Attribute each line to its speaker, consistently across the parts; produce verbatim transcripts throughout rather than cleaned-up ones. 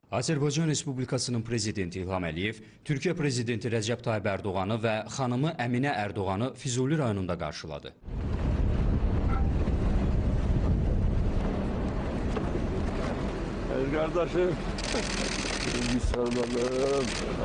Speaker 1: Azərbaycan Respublikasının Prezidenti İlham Əliyev, Türkiyə Prezidenti Rəcəb Tayyib Ərdoğanı və xanımı Əminə Ərdoğanı Füzuli rayonunda qarşıladı.
Speaker 2: Kardeşim, bir sarılalım.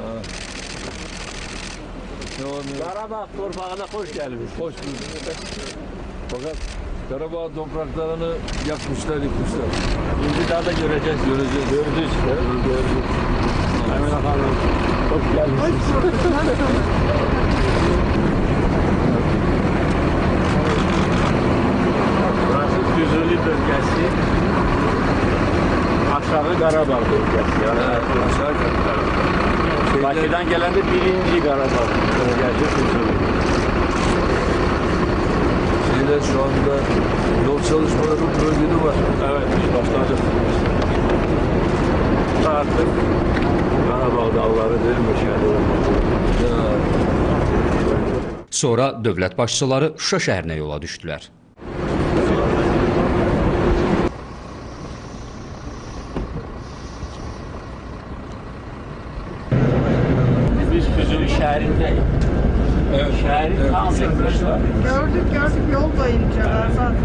Speaker 2: Karabağ torpağına hoş geldiniz. Hoş bulduk. Fakat Karabağ topraklarını yakmışlar, yıkmışlar. Şimdi daha da göreceğiz, göreceğiz. Gördük. Gördük. Hemen efendim, hoş geldiniz. Burası Füzuli bölgesi. Aşağı Karabağ bölgesi. Yani aşağı Karabağ. Bakı'dan gelen de birinci Karabağ bölgesi Füzuli. Şeyler şu anda yol çalışmaları bu bölgede var. Evet, biz başladık. Artık Karabağ dağları değilmiş yani.
Speaker 1: Sonra dövlət başçıları Şuşa şəhərinə yola düşdülər.
Speaker 2: Biz Füzuli şehrindeyiz. Evet. Şehrin evet. Tam yaklaşık.
Speaker 3: Gördük gördük yol boyunca zaten.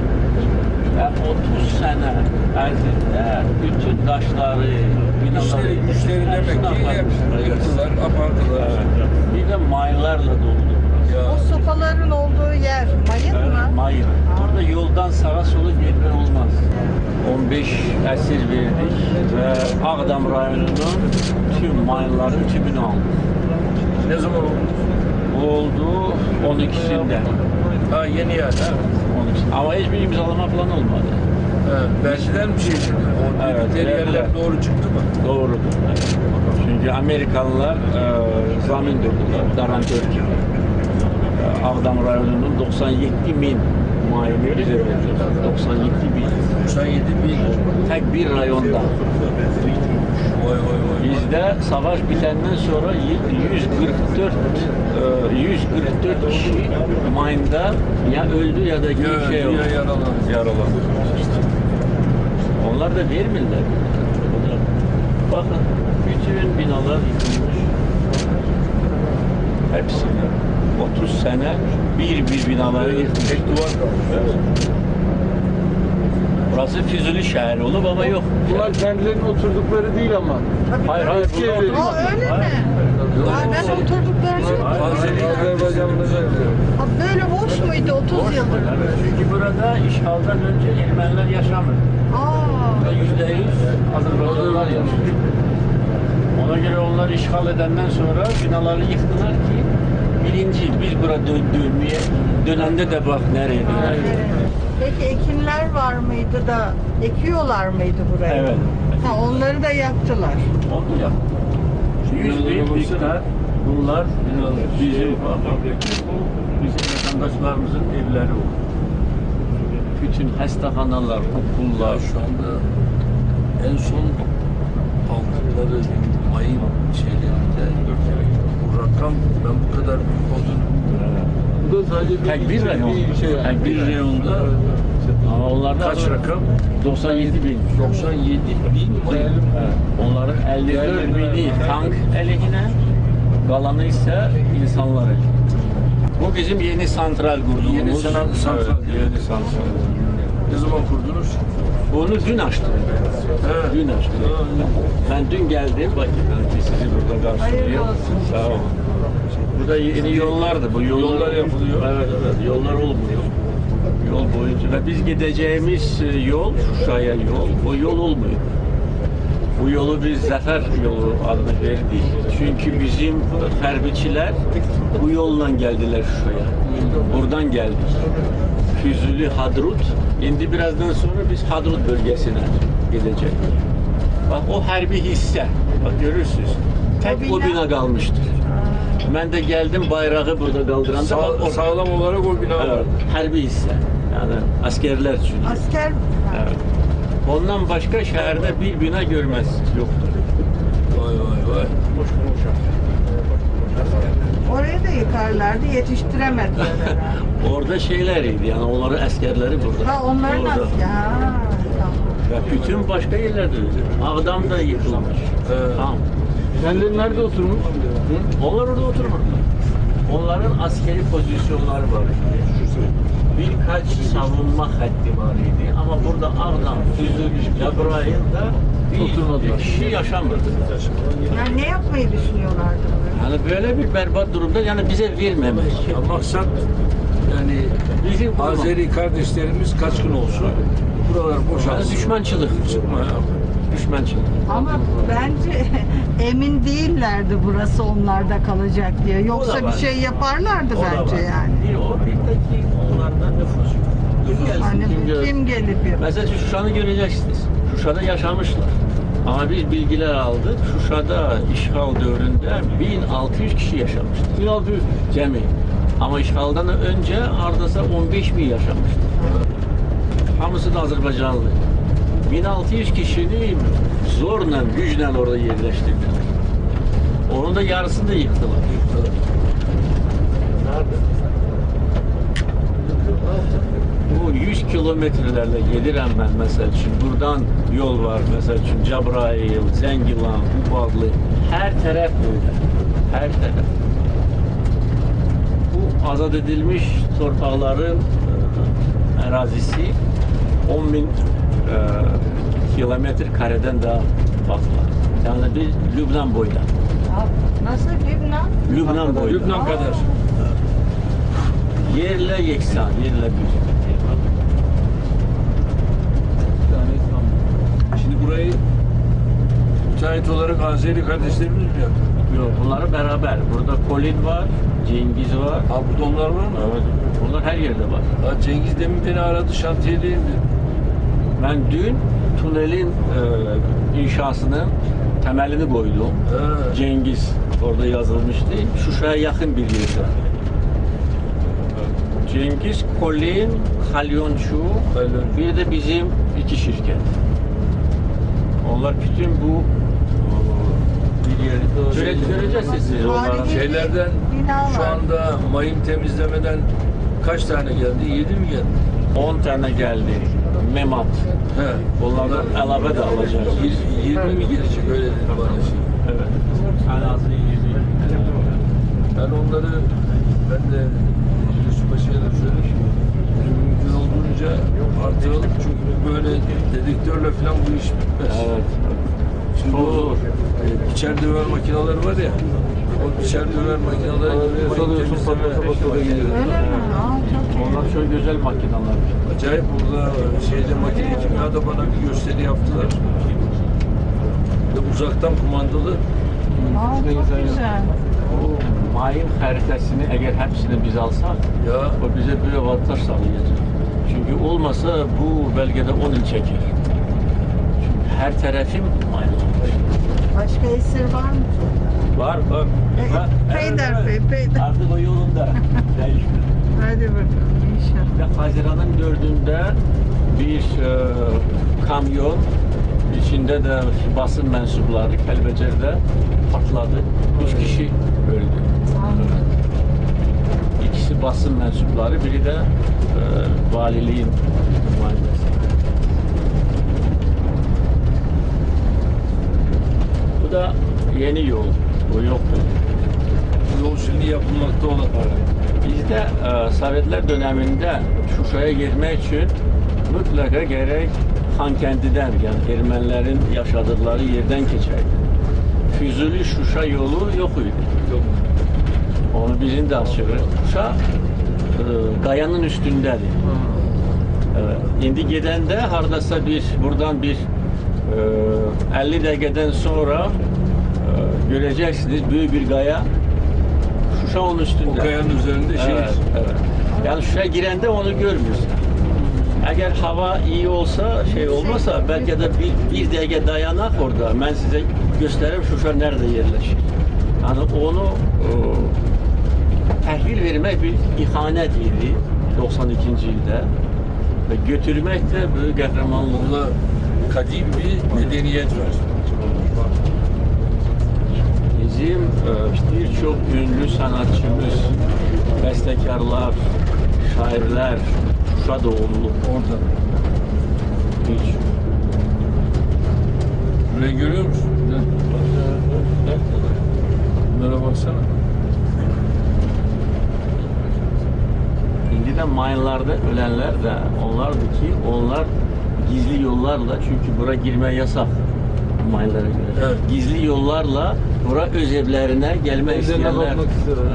Speaker 2: otuz sene ərzində bütün daşları, binaları,
Speaker 4: güçleri demek ki yıktılar, apardılar.
Speaker 2: Evet. Bir de mayınlarla doldu.
Speaker 3: O sopaların olduğu yer mayın
Speaker 2: Evet,
Speaker 3: mı?
Speaker 2: mayın. Burada yoldan sağa sola gitme olmaz. on beş əsir verdik ve Ağdam rayonunun tüm mayınların tümünü aldık.
Speaker 4: Ne zaman oldu?
Speaker 2: Bu oldu on ikisinde.
Speaker 4: Ha yeni yer. Ha.
Speaker 2: on ikisinde. Ama hiçbir imzalama falan olmadı.
Speaker 4: Ha, verdiler bir şey şimdi. O
Speaker 2: Evet,
Speaker 4: evet, yerler
Speaker 2: verdiler.
Speaker 4: doğru çıktı mı?
Speaker 2: Doğrudur. Evet. Çünkü Amerikalılar e, zamin durdular, garantör gibi. E, Ağdam rayonunun doksan yedi bin mayını bize verdi. doksan yedi bin.
Speaker 4: doksan yedi bin.
Speaker 2: Tek bir rayonda.
Speaker 4: Vay vay vay.
Speaker 2: Bizde savaş bitenden sonra yüz kırk dört e, yüz kırk dört kişi mayında ya öldü ya da bir şey oldu.
Speaker 4: Ya yaralandı.
Speaker 2: Yaralandı. Onlar da vermirler. Bakın bütün binalar yıkılmış. Hepsi. otuz sene bir bir binaları yıkmış.
Speaker 4: Tek duvar kalmış.
Speaker 2: Burası Füzuli şehri olup ama yok.
Speaker 4: Bunlar kendilerinin oturdukları değil ama.
Speaker 2: Hayır hayır.
Speaker 4: Eski
Speaker 2: burada
Speaker 4: evleri.
Speaker 2: oturmadılar.
Speaker 3: O öyle mi?
Speaker 2: Hayır.
Speaker 3: Ay, ben oturduklarını
Speaker 4: Fazlılık Azerbaycan'da
Speaker 3: Ha, böyle boş muydu otuz yıldır?
Speaker 2: Evet, çünkü burada işgalden önce Ermeniler yaşamıyor.
Speaker 3: Aa,
Speaker 2: Yüzde yüz Azerbaycanlılar yaşıyor. Ona göre onlar işgal edenden sonra binaları yıktılar ki birinci biz burada dön dönmeye dönende de bak nereye döner.
Speaker 3: peki ekinler var mıydı da ekiyorlar mıydı buraya?
Speaker 2: Evet.
Speaker 3: Ha, onları da yaktılar.
Speaker 2: Onu yap. yüz bin hektar bunlar bizim bizim vatandaşlarımızın evleri oldu. Bütün hastaneler, okullar.
Speaker 4: şu anda en son aldıkları mayın şeylerinde bu rakam ben bu kadar büyük olduğunu bu da sadece
Speaker 2: Tek bir rayon.
Speaker 4: şey yani.
Speaker 2: Tek bir rayonda. Ama onlarda
Speaker 4: Kaç rakam?
Speaker 2: doksan yedi bin.
Speaker 4: doksan yedi bin mayın.
Speaker 2: Evet. Onların elli dört bini tank eline, kalanı ise insanlar eline. Bu bizim yeni santral kurduğumuz.
Speaker 4: Yeni sanat- santral.
Speaker 2: Evet, yeni santral.
Speaker 4: Ne zaman kurdunuz?
Speaker 2: Bunu dün açtım.
Speaker 4: Evet.
Speaker 2: Dün açtım. Ben dün geldim. Bak sizi burada
Speaker 3: Hayırlı
Speaker 2: karşılıyorum.
Speaker 3: olsun.
Speaker 2: Sağ olun. Burada yeni yollardı. Bu yollar,
Speaker 4: Yollar yapılıyor.
Speaker 2: Evet evet. Yollar olmuyor. Yol boyunca ve biz gideceğimiz yol, Şuşa'ya yol, o yol olmuyor. Bu yolu biz Zafer yolu adını verdik. Çünkü bizim hərbiçilər bu yolla geldiler Şuşa'ya. Buradan geldik. Füzuli, Hadrut. Şimdi birazdan sonra biz Hadrut bölgesine gideceğiz. Bak o hərbi hisse. Bak görürsünüz. Tek
Speaker 3: O
Speaker 2: o
Speaker 3: bina-
Speaker 2: bina kalmıştır. Ben de geldim bayrağı burada kaldıranda
Speaker 4: Sağ,
Speaker 2: bak o
Speaker 4: sağlam olarak o bina var.
Speaker 2: evet, hərbi hisse. Yani askerler için.
Speaker 3: Asker
Speaker 2: Evet. Ondan başka şehirde bir bina görmez. Yoktur.
Speaker 4: Vay vay vay.
Speaker 3: orayı da yıkarlardı, yetiştiremediler herhalde.
Speaker 2: Orada şeyleriydi yani onların askerleri burada.
Speaker 3: Ha, onların
Speaker 2: Orada.
Speaker 3: asker. Ha, tamam.
Speaker 2: Ve bütün başka yerlerde öyle. Ağdam da yıkılmış.
Speaker 4: Evet.
Speaker 2: Tamam.
Speaker 4: Kendileri nerede oturmuş?
Speaker 2: Hı? Onlar orada oturmadılar. Onların askeri pozisyonları var. Birkaç savunma hattı var idi. Ama burada Ağdam, Füzuli, Cebrail'de bir kişi yaşamadı.
Speaker 3: Yani ne yapmayı düşünüyorlardı?
Speaker 2: Yani böyle bir berbat durumda yani bize vermemek.
Speaker 4: Ya maksat yani
Speaker 2: Bizim bu-
Speaker 4: Azeri kardeşlerimiz kaçkın olsun. Buralar
Speaker 2: Yani
Speaker 4: boşalsın.
Speaker 2: düşmançılık.
Speaker 4: Çıkma ya.
Speaker 2: Düşmançılık.
Speaker 3: Ama bence emin değillerdi burası onlarda kalacak diye.
Speaker 2: O da
Speaker 3: Yoksa
Speaker 2: var.
Speaker 3: bir şey yaparlardı
Speaker 2: O da
Speaker 3: bence
Speaker 2: var.
Speaker 3: yani.
Speaker 2: Bir o bir de ki onlardan nüfus yok. Kim gelsin,
Speaker 3: Hani
Speaker 2: kim gelsin.
Speaker 3: kim gelip yapıyor?
Speaker 2: Mesela Şuşa'nı göreceksiniz. Şuşa'da yaşamışlar. Ama biz bilgiler aldık. Şuşa'da işgal dövründe bin altı yüz kişi yaşamıştı. bin altı yüz cemi. Ama işgaldan önce Ardasa on beş bin yaşamıştı. Hamısı da Azerbaycanlı. bin altı yüz kişini zorla, güçle orada yerleştirdiler. Onun da yarısını da yıktılar. Bu yüz kilometrelerle gelirəm ben mesela için. Buradan yol var mesela için. Cebrail, Zengilan, Ubadlı. Her taraf böyle. Her taraf. Bu azad edilmiş torpaqların e, ərazisi on bin e, kilometre kareden daha fazla. Yani bir Lübnan boyda.
Speaker 3: Nasıl Lübnan?
Speaker 2: Lübnan boyda.
Speaker 4: Lübnan kadar.
Speaker 2: Yerle yeksan, yerle bir.
Speaker 4: Yani tam. Şimdi burayı müteahhit olarak Azeri kardeşlerimiz mi yaptı?
Speaker 2: Yok, bunları beraber. Burada Kolin var, Cengiz var.
Speaker 4: Ha burada onlar var mı?
Speaker 2: Evet. Bunlar her yerde var.
Speaker 4: Ha, Cengiz demin beni aradı, şantiyedeyim dedi.
Speaker 2: Ben dün tünelin e, inşasının temelini koydum.
Speaker 4: Ha.
Speaker 2: Cengiz orada yazılmıştı. Şuşa'ya yakın bir yerde. Cengiz, Kolin, Halyonçu,
Speaker 4: Halyonçu.
Speaker 2: bir de bizim iki şirket. Onlar bütün bu bir yeri göre, göreceksiniz siz onların.
Speaker 3: Tarihi-
Speaker 4: Şeylerden
Speaker 3: Bina
Speaker 4: şu
Speaker 3: var.
Speaker 4: anda mayın temizlemeden kaç tane geldi? Yedi mi geldi?
Speaker 2: on tane geldi. Memat.
Speaker 4: He.
Speaker 2: Onlardan elave de alacağız.
Speaker 4: Yir- yirmi mi gelecek öyle dedi bana şey.
Speaker 2: Evet. En azı yirmi.
Speaker 4: Ben onları ben de Yusuf Paşa'ya da söyledim. Mümkün olduğunca artıralım çünkü böyle dedektörle falan bu iş bitmez.
Speaker 2: Evet.
Speaker 4: Şimdi
Speaker 2: Çok
Speaker 4: o
Speaker 2: zor.
Speaker 4: e, biçer döver makineleri var ya, o biçer döver makineleri mayın temizleme makineleri.
Speaker 3: Öyle mi? Aa, çok iyi.
Speaker 2: Onlar çok güzel makineler.
Speaker 4: Acayip burada şeyde makine kimyada bana bir gösteri yaptılar. Ve uzaktan kumandalı.
Speaker 3: Aa, çok güzel.
Speaker 2: O mayın haritasını eğer hepsini biz alsak,
Speaker 4: Ya
Speaker 2: o bize bir avantaj sağlayacak. Çünkü olmasa bu belgede on yıl çeker. Çünkü her tarafım mayın olmuş.
Speaker 3: Başka esir var mı?
Speaker 2: Var, var.
Speaker 3: E,
Speaker 2: Var.
Speaker 3: Peyder Bey, Peyder.
Speaker 2: Artık o yolunda. Değişmiyor.
Speaker 3: Hadi bakalım inşallah.
Speaker 2: Ve Haziran'ın dördünde bir e, kamyon içinde de basın mensupları Kelbecer'de patladı. Üç kişi öldü. İkisi basın mensupları, biri de e, valiliğin muayenesi. Bu da yeni yol. Bu yoktu.
Speaker 4: bu yol şimdi yapılmakta olan.
Speaker 2: Bizde e, Sovyetler döneminde Şuşa'ya girmek için mutlaka gerek Xankəndidən, yani Ermənilərin yaşadıkları yerden geçerdi. Füzuli Şuşa yolu yok idi.
Speaker 4: Yok.
Speaker 2: Onu bizim de açıyoruz. Şuşa e, qayanın üstündədir. Evet. İndi gedəndə hardasa bir buradan bir e, elli dəqiqədən sonra e, göreceksiniz büyük bir qaya. Şuşa onun üstünde.
Speaker 4: O kayanın üzerinde şey.
Speaker 2: Evet, evet. Yani Şuşa'ya girende onu görmüyorsun. Eğer hava iyi olsa, şey olmasa belki de bir, bir dakika dayanak orada. Ben size göstereyim Şuşa nerede yerleşir. Yani onu e, təhvil vermek bir ihanet idi doksan ikinci ildə ve götürmek de büyük kahramanlık.
Speaker 4: Burada kadim bir medeniyet var.
Speaker 2: Bizim e, birçok ünlü sanatçımız, bestekarlar, şairler Şuşa doğumlu.
Speaker 4: Orada.
Speaker 2: Hiç.
Speaker 4: Burayı görüyor musun? Gel. Bunlara baksana.
Speaker 2: Şimdi de mayınlarda ölenler de onlardı ki onlar gizli yollarla, çünkü bura girme yasak mayınlara göre.
Speaker 4: Evet.
Speaker 2: Gizli yollarla bura öz evlerine gelme
Speaker 4: Evlerine
Speaker 2: isteyenler
Speaker 4: bakmak istiyorlar.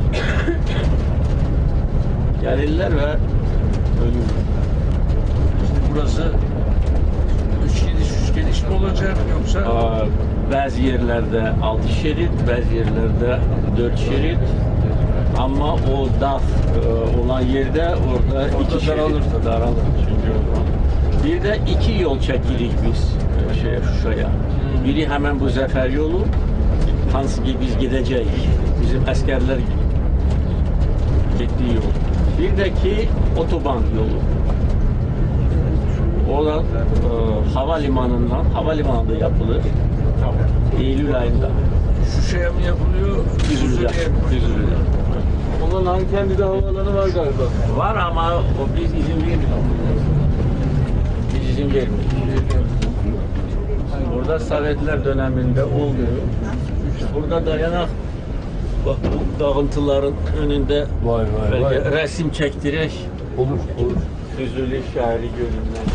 Speaker 2: gelirler ve ölüyorlar.
Speaker 4: Şimdi burası üç gidiş üç geliş mi olacak yoksa?
Speaker 2: Aa, Bazı yerlerde altı şerit, bazı yerlerde dört şerit. Ama o dağ e, olan yerde orada iki şerit
Speaker 4: daralır tabii.
Speaker 2: daralır. Çünkü bir de iki yol çekirik biz e, şeye, Şuşa'ya. Biri hemen bu Zafer yolu, hansı ki biz gideceğiz. Bizim askerler gittiği yol. Bir de ki otoban yolu. O da e, havalimanından, havalimanında yapılır. Eylül ayında.
Speaker 4: Şuşa'ya mı yapılıyor?
Speaker 2: Düzülü'de.
Speaker 4: Düzülü'ye mi?
Speaker 2: Düzülü'de.
Speaker 4: Onların Hankendi'de havaalanı var galiba.
Speaker 2: Var ama o biz izin vermiyoruz. Biz izin vermiyoruz. Burada Sovyetler döneminde oluyor. Burada dayanak, bak bu dağıntıların önünde
Speaker 4: Vay vay
Speaker 2: belki resim çektirerek
Speaker 4: Olur, olur.
Speaker 2: Füzuli şehri görünmez.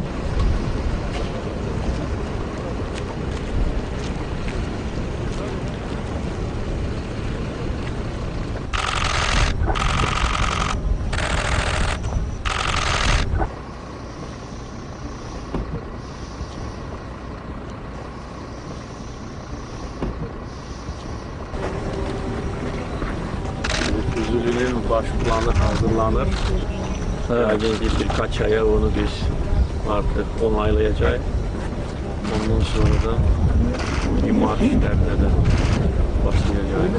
Speaker 2: Füzuli'nin baş planı hazırlanır. Yani birkaç aya onu biz artık onaylayacağız. Ondan sonra da imar işlerine de başlayacağız.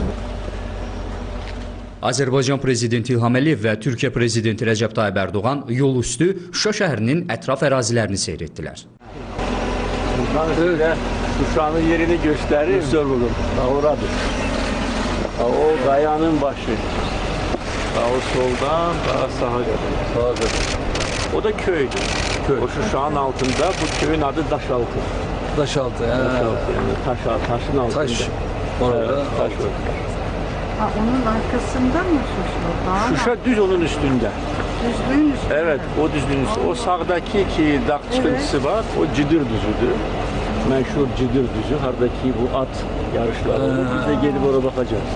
Speaker 1: Azərbaycan Prezidenti İlham Əliyev və Türkiyə Prezidenti Rəcəb Tayyib Ərdoğan yol üstü Şuşa şəhərinin ətraf ərazilərini seyr etdilər.
Speaker 2: Ben size Şuşa'nın yerini göstereyim.
Speaker 4: Göster bakalım.
Speaker 2: Ha, oradır. Ha, o kayanın başı. Ha, o soldan daha sağa kadar.
Speaker 4: Sağa kadar.
Speaker 2: O da köydü.
Speaker 4: Köy.
Speaker 2: O Şuşa'nın altında, bu köyün adı Daşaltı.
Speaker 4: Taşaltı. He.
Speaker 2: Daşaltı yani taş, taşın altında.
Speaker 4: Taş. Orada.
Speaker 2: Evet, taş var.
Speaker 3: Ha, onun arkasında mı Şuşa? Dağ mı?
Speaker 2: Şuşa düz onun üstünde.
Speaker 3: Düzlüğün üstünde.
Speaker 2: Evet, o düzlüğün üstünde. O sağdaki ki dağ çıkıntısı var, o Cidir düzüdür. Meşhur Cidir düzü. Hardaki bu at yarışları olur. Biz de gelip oraya bakacağız.